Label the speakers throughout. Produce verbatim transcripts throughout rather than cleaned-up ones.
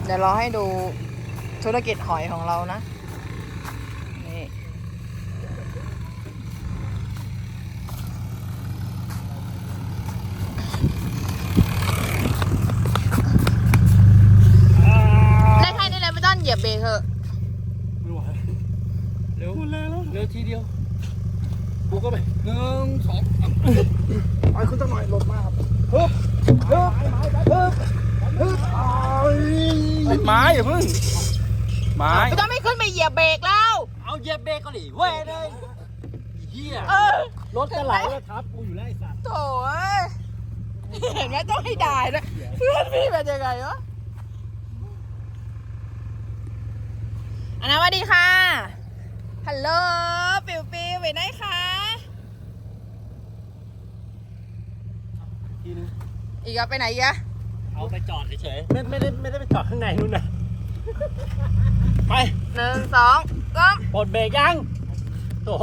Speaker 1: ดี๋ยวเราให้ดูธุรกิจหอยของเรานะนี่ได้แค่นี้เลยไม่ต้องเหยียบเบรกเถอะ
Speaker 2: ไม่ไหวเร็วเร็วเร็วทีเดียวบุกเข้าไปหนึ่งสองไปขึ้นตั้งหน่อยหลดมาครับฮึบฮึบฮึบฮึบติดไม้อย่าเพิ่งไม้
Speaker 1: ไม่ต้องไม่ขึ้นไปเหยียบเบรกแล้ว
Speaker 2: เอาเหยียบเบรกก็หลีเว้ยเลยเหี้ยรถจะไหลแล้วครับกูอยู่แล้วไอ้สัตว์
Speaker 1: โถ่เห็นไหมต้องให้ด่านะเพื่อนพี่เป็นยังไงวะอันนั้นสวัสดีค่ะฮัลโหลปิวปิวไปไหนคะ
Speaker 2: ทีนึง
Speaker 1: อีกอะไปไหนอีกอะ
Speaker 2: เอาไปจอดเฉยๆไม่ไม่ได้ไม่ได้ไปจอดข้างในนู่นนะไป
Speaker 1: หนึ่งสองก้ม
Speaker 2: ปลดเบรกยังโอ้โห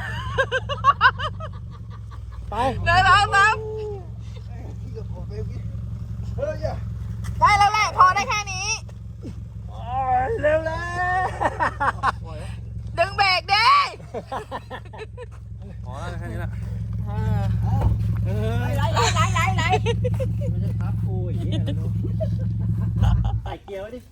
Speaker 2: ไป
Speaker 1: หนึ่งสองสามได้แล้วแหละพอได้แค่นี้
Speaker 2: เร็วเลย
Speaker 1: ดึงเบรกดิ
Speaker 2: พอแล้วแค่นี้ละ
Speaker 1: ไหลไหลไหลไหลไหล
Speaker 2: ไม่ใช่ครับกูอย่างนี้ใส่เกียร์ไว้ดิ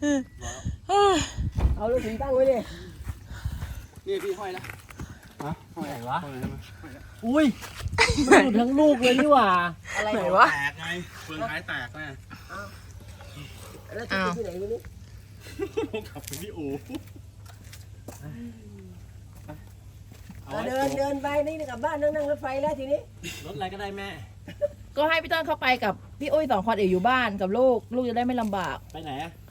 Speaker 2: เอาลูกถึงตั้งไว้ดินี่พี่ห้อยแล้วฮะห้อยไหนวะอุ้ยมันหลุดทั้งลูกเลยนี่หว่า
Speaker 1: อะไรไหนวะ
Speaker 2: แตกไงเฟืองท้ายแตกแน่
Speaker 1: แล้วจะไปที่ไหนไม่รู้
Speaker 2: ต้องขับไปที่อู่
Speaker 3: เดินเดินไปนี่กลับบ้านนั่งนั่งรถไฟแล้วทีนี้
Speaker 2: รถอะไรก็ได้แม่
Speaker 1: ก็ให้พี่ต้นเข้าไปกับพี่อุ้ยสองคนเอ๋อยู่บ้านกับลูกลูกจะได้ไม่ลำบาก
Speaker 2: ไปไหนอะ